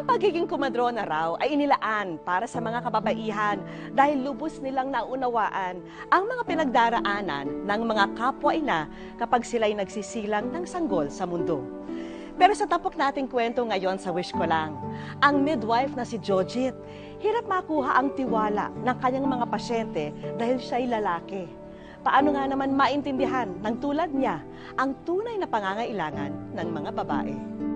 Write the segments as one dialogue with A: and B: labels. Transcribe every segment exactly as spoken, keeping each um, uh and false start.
A: pagiging komadrona raw ay inilaan para sa mga kababaihan dahil lubos nilang naunawaan ang mga pinagdaraanan ng mga kapwa-ina kapag sila'y nagsisilang ng sanggol sa mundo. Pero sa tapok nating kwento ngayon sa Wish Ko Lang, ang midwife na si Jojit, hirap makuha ang tiwala ng kanyang mga pasyente dahil siya'y lalaki. Paano nga naman maintindihan ng tulad niya ang tunay na pangangailangan ng mga babae?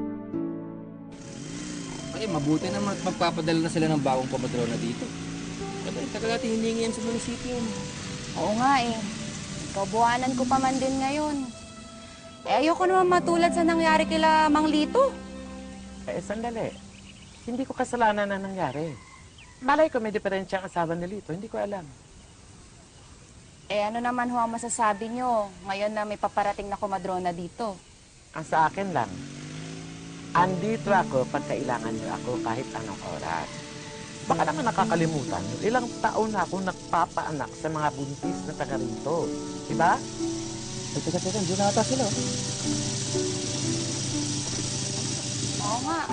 B: Eh, mabuti naman at magpapadala na sila ng bagong komadrona dito. Kasi tagal natin hiningi yan sa munisipyo.
C: Oo nga eh. Kabuhanan ko pa man din ngayon. Eh, ayoko naman matulad sa nangyari kila Mang Lito.
D: Eh, sandali. Hindi ko kasalanan na nangyari. Malay ko may diferensya ang asawa ni Lito. Hindi ko alam.
C: Eh, ano naman ho ang masasabi nyo ngayon na may paparating na komadrona dito?
D: Ang sa akin lang, andito ako pag kailangan niyo ako kahit anong oras. Baka naman nakakalimutan niyo, ilang taon na ako nagpapaanak sa mga buntis na taga rito. Diba?
B: Eh, teka, teka, hindi na ata sila.
C: Oo nga.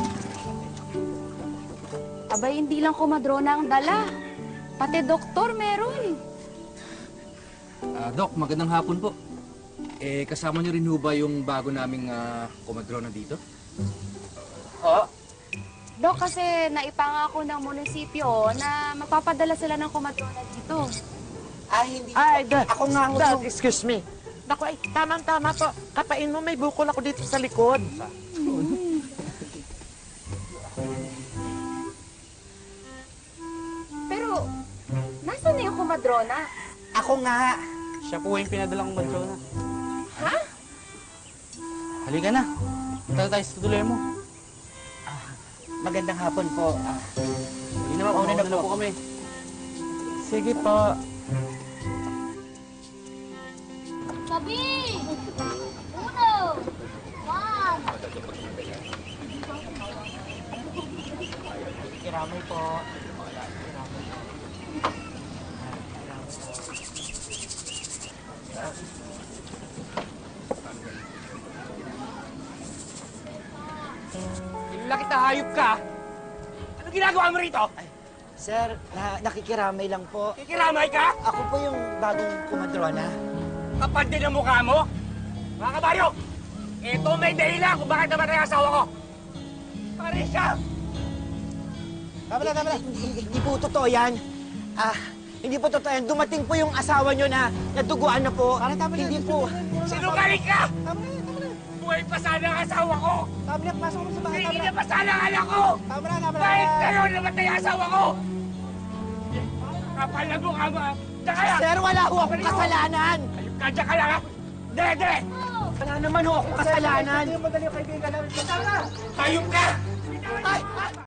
C: Abay, hindi lang komadrona ang dala. Pati doktor meron.
B: Ah, Doc, magandang hapon po. Eh, kasama niyo rin ho ba yung bago naming uh, komadrona dito?
D: Oo.
C: Dok, kasi naipangako ng munisipyo na magpapadala sila ng komadrona dito.
D: Ay, hindi. Ay, Dad, ako nga, Dad, excuse me. Naku, ay, tamang-tama po. Kapain mo, may bukol ako dito sa likod.
C: Pero, nasaan na yung komadrona?
D: Ako nga.
B: Siya po yung pinadalang komadrona.
C: Ha?
B: Halika na. Punta tayo sa tutuloy mo.
D: Magandang hapon po. Ah,
B: Hindi naman,
D: Mauna na
B: na
D: po.
B: po kami.
D: sige po.
E: Sabi! Uno! One!
D: Kiramay po.
F: Laki na hayop ka! Ano ginagawa mo rito?
G: Sir, na nakikiramay lang po.
F: Kikiramay ka?
G: Ako po yung bagong kumadrona.
F: Kapal din ang mukha mo? Mga kabaryo, ito may dahilan kung bakit namatay ang asawa ko. Parisha!
G: Tama na, tama na. Hindi, hindi po totoo yan. Ah, hindi po totoo yan. Dumating po yung asawa nyo na naduguan na po. Hindi po.
F: Sinungaling ka!
G: Tama na, tama na.
F: Buhay pa sana ang asawa ko!
G: Tama na, pasok mo sa bahay.
F: Hindi
G: Tama
F: na
G: na.
F: pa sana ang anak ko!
G: Tama na, tama na.
F: Bakit kayo namatay ang asawa ko? Kapal na mukha mo! Diyan ka lang!
G: Sir, wala ho akong kasalanan.
F: Hayop ka, diyan ka lang ha! Dire, dire!
G: Wala naman ho akong kasalanan.
F: Hayop ka! Ay!